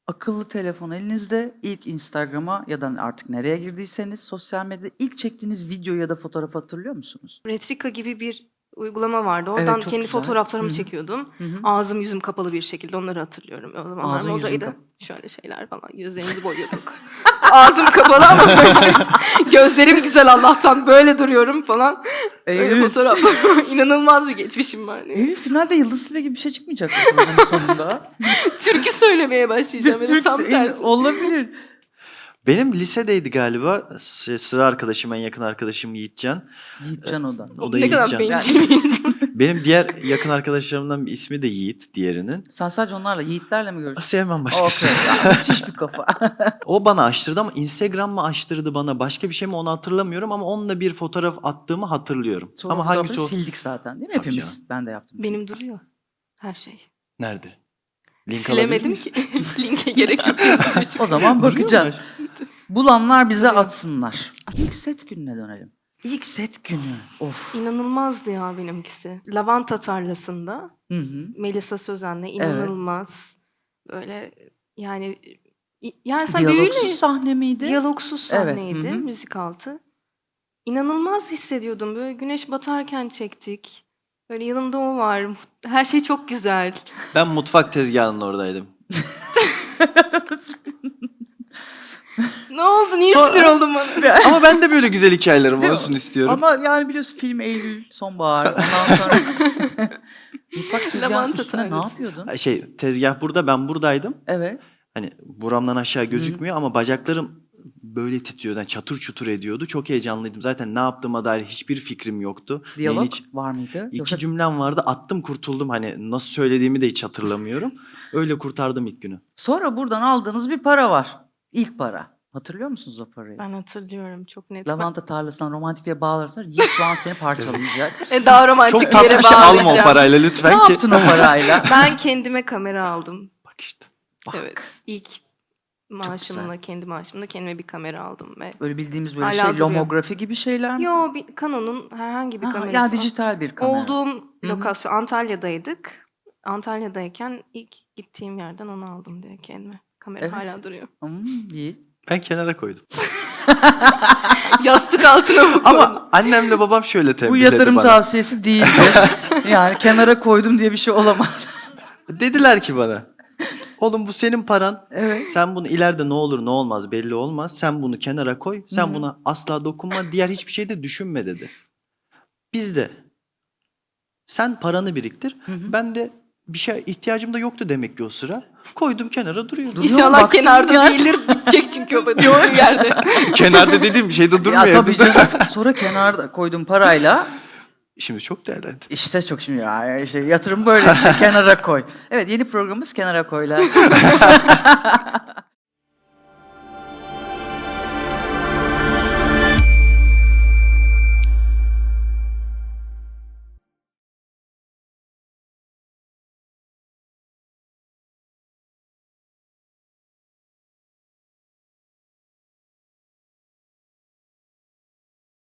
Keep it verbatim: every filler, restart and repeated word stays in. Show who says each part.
Speaker 1: Akıllı telefon elinizde, ilk Instagram'a ya da artık nereye girdiyseniz sosyal medyada ilk çektiğiniz video ya da fotoğrafı hatırlıyor musunuz?
Speaker 2: Retrika gibi bir uygulama vardı.
Speaker 1: Evet,
Speaker 2: Oradan
Speaker 1: çok
Speaker 2: kendi
Speaker 1: güzel.
Speaker 2: fotoğraflarımı
Speaker 1: Hı hı.
Speaker 2: çekiyordum.
Speaker 1: Hı hı.
Speaker 2: Ağzım yüzüm kapalı bir şekilde onları hatırlıyorum. O zamanlar
Speaker 1: Ağzın yüzün
Speaker 2: modaydı.
Speaker 1: kap-
Speaker 2: Şöyle şeyler falan. Gözlerimizi boyuyorduk. Ağzım kapalı ama böyle gözlerim güzel Allah'tan böyle duruyorum falan. Öyle
Speaker 1: Eylül,
Speaker 2: fotoğraflar. İnanılmaz bir geçmişim var.
Speaker 1: Eylül finalde Yıldız Tilbe gibi bir şey çıkmayacak mı programın sonunda?
Speaker 2: Türkü söylemeye başlayacağım. Yani
Speaker 1: Türk-
Speaker 2: tam
Speaker 1: Eylül,
Speaker 2: tersi.
Speaker 1: olabilir.
Speaker 3: Benim lisedeydi galiba. S- Sıra arkadaşım, en yakın arkadaşım Yiğitcan.
Speaker 1: Yiğitcan o da.
Speaker 3: O da
Speaker 2: Ne kadar
Speaker 3: Yiğitcan.
Speaker 2: bencil.
Speaker 3: Benim diğer yakın arkadaşlarımdan bir ismi de Yiğit, diğerinin.
Speaker 1: Sen sadece onlarla, Yiğitlerle mi görüştün?
Speaker 3: Sevmem başkası.
Speaker 1: Okey. Ya, müthiş bir kafa.
Speaker 3: O bana açtırdı ama Instagram mı açtırdı bana, başka bir şey mi onu hatırlamıyorum ama onunla bir fotoğraf attığımı hatırlıyorum.
Speaker 1: Sonra
Speaker 3: ama
Speaker 1: fotoğrafları
Speaker 3: hangisi o?
Speaker 1: sildik zaten değil mi
Speaker 3: Tabii
Speaker 1: hepimiz?
Speaker 3: canım.
Speaker 1: Ben de yaptım.
Speaker 2: Benim duruyor her şey.
Speaker 3: Nerede? Link alabilir
Speaker 2: Silemedim
Speaker 3: miyiz?
Speaker 2: ki. Linke gerek yok.
Speaker 1: O zaman
Speaker 3: Duruyor mu?
Speaker 1: bakacağız. Bulanlar bize atsınlar. İlk set gününe dönelim. İlk set günü. Of.
Speaker 2: İnanılmazdı ya benimkisi. Lavanta tarlasında
Speaker 1: Hı hı.
Speaker 2: Melisa Sözen'le inanılmaz böyle yani i- yani sen
Speaker 1: Diyalogsuz
Speaker 2: büyüyle
Speaker 1: sahne miydi?
Speaker 2: diyalogsuz
Speaker 1: Evet,
Speaker 2: sahneydi,
Speaker 1: hı hı.
Speaker 2: müzik altı. İnanılmaz hissediyordum. Böyle güneş batarken çektik. Böyle yanımda o var. Her şey çok güzel.
Speaker 3: Ben mutfak tezgahının oradaydım.
Speaker 2: Ne oldu? Niye
Speaker 3: Sonra-
Speaker 2: sinir oldun bana?
Speaker 3: Ama ben de böyle güzel hikayelerim
Speaker 1: Değil mi?
Speaker 3: olsun istiyorum.
Speaker 1: Ama yani biliyorsun film Eylül, sonbahar. Ondan sonra mutfak tezgahının
Speaker 2: Lavanta
Speaker 1: üstüne ne
Speaker 2: tanesi.
Speaker 1: yapıyordun?
Speaker 3: Şey, tezgah burada, ben buradaydım.
Speaker 1: Evet.
Speaker 3: Hani buramdan aşağı gözükmüyor ama bacaklarım böyle titriyordu. Yani çatır çutur ediyordu. Çok heyecanlıydım. Zaten ne yaptığıma dair hiçbir fikrim yoktu.
Speaker 1: Diyalog
Speaker 3: Neyin hiç-
Speaker 1: var mıydı?
Speaker 3: İki
Speaker 1: Yoksa
Speaker 3: cümlem vardı. Attım kurtuldum. Hani nasıl söylediğimi de hiç hatırlamıyorum. Öyle kurtardım ilk günü.
Speaker 1: sonra buradan aldığınız bir para var. İlk para. Hatırlıyor musunuz o parayı?
Speaker 2: Ben hatırlıyorum çok net.
Speaker 1: Lavanta tarlasından romantik bir bağlarsan Yiğit şu an seni parçalayacak.
Speaker 2: E, daha romantik
Speaker 3: Çok
Speaker 2: bir yere
Speaker 3: tatlı bir şey alma o
Speaker 2: bağlayacağım.
Speaker 3: parayla
Speaker 1: ne
Speaker 3: lütfen ki.
Speaker 1: yaptın o parayla?
Speaker 2: Ben kendime kamera aldım.
Speaker 3: Bak işte.
Speaker 1: Bak.
Speaker 2: Evet. İlk maaşımla, kendi maaşımla kendime bir kamera aldım ve
Speaker 1: Böyle bildiğimiz böyle
Speaker 2: Hala
Speaker 1: şey,
Speaker 2: duruyor.
Speaker 1: lomografi gibi şeyler mi?
Speaker 2: yo bir Canon'un herhangi bir
Speaker 1: Ha,
Speaker 2: kamerası.
Speaker 1: ya dijital bir kamera.
Speaker 2: Olduğum
Speaker 1: hı.
Speaker 2: lokasyon Antalya'daydık. Antalya'dayken ilk gittiğim yerden onu aldım diye kendime. Kamera
Speaker 1: Evet.
Speaker 2: hala duruyor.
Speaker 1: Hmm, Yiğit.
Speaker 3: Ben kenara koydum.
Speaker 2: Yastık altına mı koydun?
Speaker 3: Ama annemle babam şöyle
Speaker 1: Bu
Speaker 3: tembihleri
Speaker 1: yatırım
Speaker 3: bana.
Speaker 1: tavsiyesi değildir. Yani kenara koydum diye bir şey olamaz.
Speaker 3: Dediler ki bana. Oğlum bu senin paran.
Speaker 1: Evet.
Speaker 3: Sen bunu ileride ne olur ne olmaz belli olmaz. Sen bunu kenara koy. Sen buna asla dokunma. Diğer hiçbir şey de düşünme dedi. Biz de sen paranı biriktir. Ben de bir şey ihtiyacım da yoktu demek ki o sıra. Koydum kenara duruyor.
Speaker 1: Duruyor,
Speaker 2: İnşallah
Speaker 1: baktın
Speaker 2: kenarda
Speaker 1: ya.
Speaker 2: değildir. Bitecek çünkü o durduğu yerde.
Speaker 3: Kenarda dediğim bir şey de durmuyor.
Speaker 1: Ya tabii
Speaker 3: evde.
Speaker 1: canım. Sonra kenarda koydum parayla.
Speaker 3: Şimdi çok değerlendi.
Speaker 1: İşte çok şimdi ya işte yatırım böyle bir şey kenara koy. Evet, yeni programımız Kenara Koy'la.